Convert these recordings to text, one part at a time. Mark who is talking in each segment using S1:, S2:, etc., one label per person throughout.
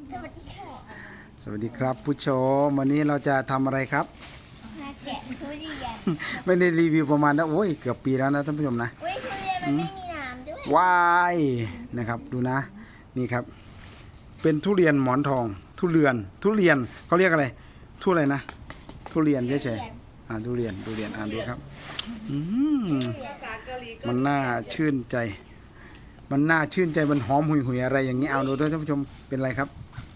S1: สวัสดีค่ะ
S2: สวัสดีครับผู้ชมวันนี้เราจะทำอะไรครับ
S1: มาแกะทุเรียน
S2: ไม่ได้รีวิวประมาณนะโอ้ยเกือบปีแล้วนะท่านผู้ชมนะ
S1: เว้ยทุเรียนมันไม่มีน้ำด้วย
S2: ว้ายนะครับดูนะนี่ครับ เป็นทุเรียนหมอนทอง ทุเรียนเขาเรียกอะไรทุอะไรนะทุเรียนเฉยๆทุเรียนอ่านดูครับมันน่าชื่นใจ มันหอมหุยอะไรอย่างนี้เอาดูด้วยท่านผู้ชมเป็นอะไรครับ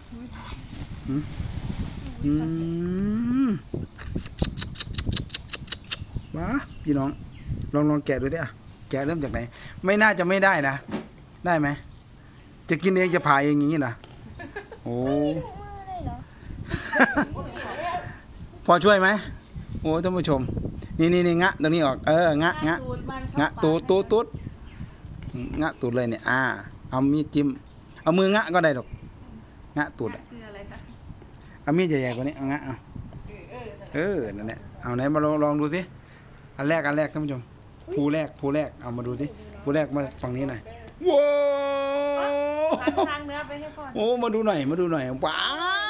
S2: ว้าพี่น้องลองแกะดูดิอ่ะแกะเริ่มจากไหนไม่น่าจะไม่ได้นะได้ไหมจะกินเองจะผ่าเองอย่างนี้นะโอ้
S1: มือเลยเหรอ
S2: พอช่วยไหมโอ้ท่านผู้ชมนี่งะตรงนี้ออกงะงะตูดงะตูดเลยเนี่ยเอามีดจิ้มเอามืองะก็ได้ดอกงะตูดเอามีดใหญ่ๆกว่านี้เอางะเอานั่นแหละเอาไหนมาลองดูสิอันแรกท่านผู้ชมภูแรกเอามาดูสิภูแรกมาฝั่งนี้หน่อยว้าว
S3: ทางเนื้อไปให้ก่อน
S2: โอ้มาดูหน่อยว้า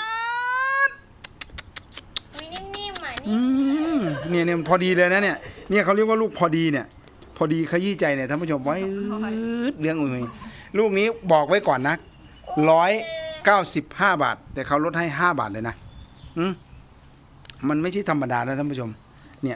S1: วินิ่มๆอ่ะ
S2: เนี่ยพอดีเลยนะเนี่ยเขาเรียกว่าลูกพอดีเนี่ยพอดีขยี้ใจเนี่ยท่านผู้ชมไว้เรื่องอุ้ยลูกนี้บอกไว้ก่อนนะ195 บาทแต่เขาลดให้5 บาทเลยนะมันไม่ใช่ธรรมดานะท่านผู้ชมเนี่ย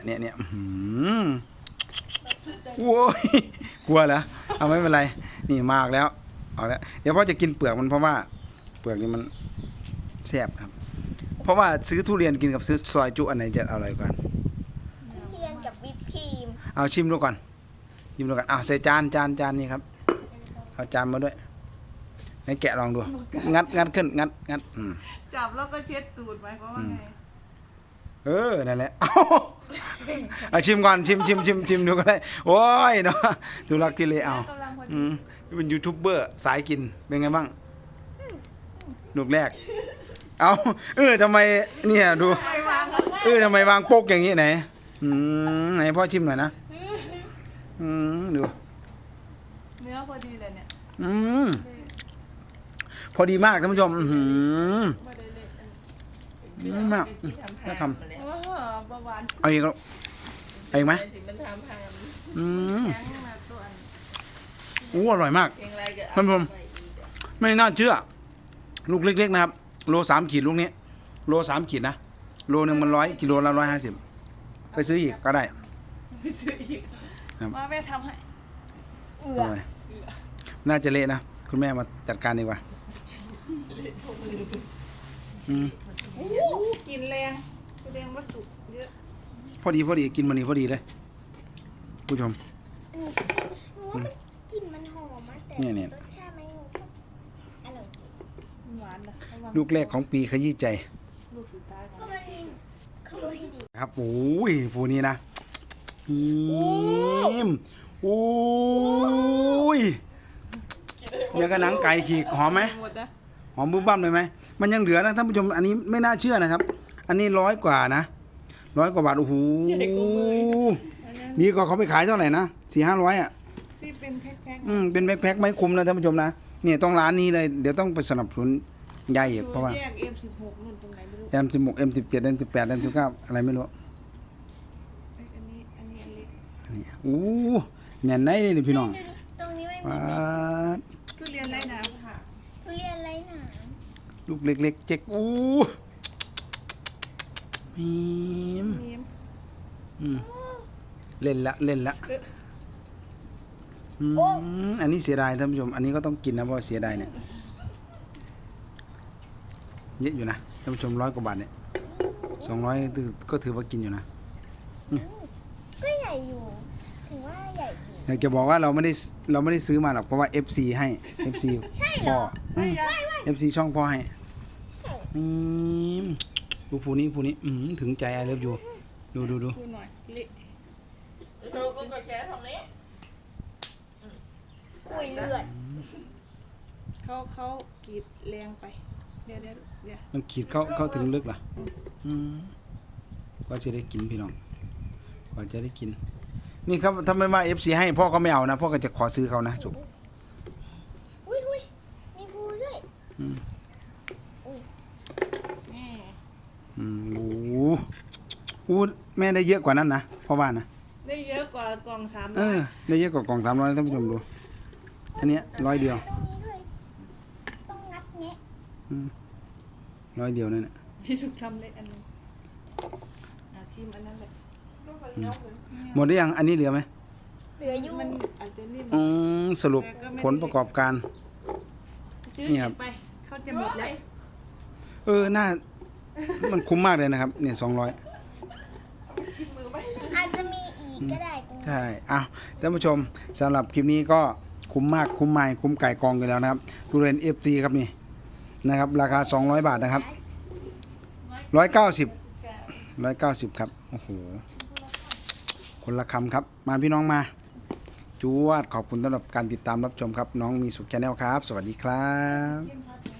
S2: โว้ยกลัวเหรอเอาไม่เป็นไรนี่มากแล้วเอาแล้วเดี๋ยวพ่อจะกินเปลือกมันเพราะว่าเปลือกนี่มันแซ่บครับเพราะว่าซื้อทุเรียนกินกับซื้อซอยจุอันไหนจะอร่อยกว่า
S1: ทุเรียนกับวิปครีม
S2: เอาชิมดูก่อนใส่จานนี่ครับเอาจานมาด้วยให้แกะลองดูงัดขึ้นงัด
S3: จับแล้วก็เช็ดตูดไหมเพราะว่าไง
S2: นั่นแหละเอาชิมก่อนชิมดูก็ได้โอ้ยเนาะดูรักที่เลยเอาเป็นยูทูบเบอร์สายกินเป็นไงบ้างลูกแรกเอาทำไมเนี่ยดูทำไมวางโป๊กอย่างนี้ไหนไหนพ่อชิมหน่อยนะดู
S3: เนื้อพอดีเลยเนี่ย
S2: พอดีมากท่านผู้ชมมากน่าทำ
S3: เบาหวาน
S2: เอาอีกแล้วเอาอีกไหมอร่อยมากท่านผู้ชมไม่น่าเชื่อลูกเล็กๆนะครับโล3 ขีดลูกนี้โล3 ขีดนะโลนึงมัน100 กิโลละ150ไปซื้ออีกก็ได้
S3: มาแม่ทำให้
S2: น่าจะเละนะคุณแม่มาจัดการดีกว่า
S3: กินแรงว่าสุกเยอะ
S2: พอดีกินมันนี่พอดีเลยผู้ชม
S1: กลิ่นมันหอมมากแต่รสชาติมันอร่อย
S3: หวานนะ
S2: ลูกแรกของปีขยี้ใจ
S3: ลูกสุดท้ายของ
S1: ก็มันมีขโมยให้ดี
S2: ครับโอ้ยผู้นี้นะโอ้ยเนี่ยกระหนังไก่ขีดหอมไหมหอมบุ้มบ้ามเลยไหมมันยังเหลือนะท่านผู้ชมอันนี้ไม่น่าเชื่อนะครับอันนี้100 กว่านะ100 กว่าบาทโอ้โหนี่ก็เขาไปขายเท่าไหร่นะ400-500
S3: ที่เป็นแพ็ค
S2: เป็นแพ็คไม่คุ้มนะท่านผู้ชมนะเนี่ยต้องร้านนี้เลยเดี๋ยวต้องไปสนับสนุนใหญ่เพราะว่า
S3: แยก M16 นู่นตรงไหนไม่รู้
S2: M16 M17 M18 M19 อะไรไม่รู้
S3: อันนี้อันเล็ก
S2: อันนี้แน่นไหนนี่พี่น้อง
S1: ตรงนี้ไม่มี
S2: ว้า
S3: ทุเรียนไรน้ำค่ะ
S1: ทุเรียนไรหนา
S2: ลูกเล็กๆเจ๊กมีมเล่นละอันนี้เสียดายท่านผู้ชมอันนี้ก็ต้องกินนะเพราะเสียดายเนี่ยเยอะอยู่นะท่านผู้ชม100 กว่าบาทเนี่ย200ก็ถือว่ากินอยู่นะ
S1: ก็ใหญ่อยู่ถือว่าใหญ่จริง
S2: อยากจะบอกว่าเราไม่ได้ซื้อมาหรอกเพราะว่า FC ให้ FC พ่อ FC ช่องพ่อให้ดูผู้นี้ถึงใจไอเลิฟอยู่ดู
S3: หน่อยโชว์ก็แกทำนี้
S1: อุ้ยเลือด
S3: เขากรีดแรงไปเดี๋ยว
S2: มันขีดเข้าถึงลึกเหรอก็จะได้กินพี่น้องก็จะได้กินนี่ครับถ้าไม่มา FC ให้พ่อก็ไม่เอานะพ่อก็จะขอซื้อเขานะจุก
S1: อุ้ยมีภูด้วย
S2: อู้แม่ได้เยอะกว่านั้นนะเพราะว่านะ
S3: ได้เยอะกว่ากล่อง300
S2: ได้เยอะกว่ากล่อง300ท่านผู้ชมดูอันเนี้ย100 เดียว
S1: ตรงนี้ด้วยต้องงัดแงะ
S2: 100 เดียวนั่นแหละ
S3: พี่สุกทำเล็กอันนึงชิมอันนั้นแหละ
S2: หมดหรือยังอันนี้เหลือไหม
S1: เหลืออยู่
S3: มันอาจจะนิ่ม
S2: สรุปผลประกอบการ
S3: ซื้อ
S2: นี่ครับ
S3: ไปเขาจะหมดแล้ว
S2: น่ามันคุ้มมากเลยนะครับเนี่ย200
S1: อาจจะมีอีกก็ได้ตรงนี้
S2: ใช่อ้าวท่านผู้ชมสำหรับคลิปนี้ก็คุ้มมากคุ้มไม่คุ้มไก่กองกันแล้วนะครับทุเรียน FC ครับนี่นะครับราคา200 บาทนะครับ190ครับโอ้โหคนละคำครับมาพี่น้องมาจวดขอบคุณสำหรับการติดตามรับชมครับน้องมีสุขแชนแนลครับ สวัสดีครับ
S3: จิ้มพัด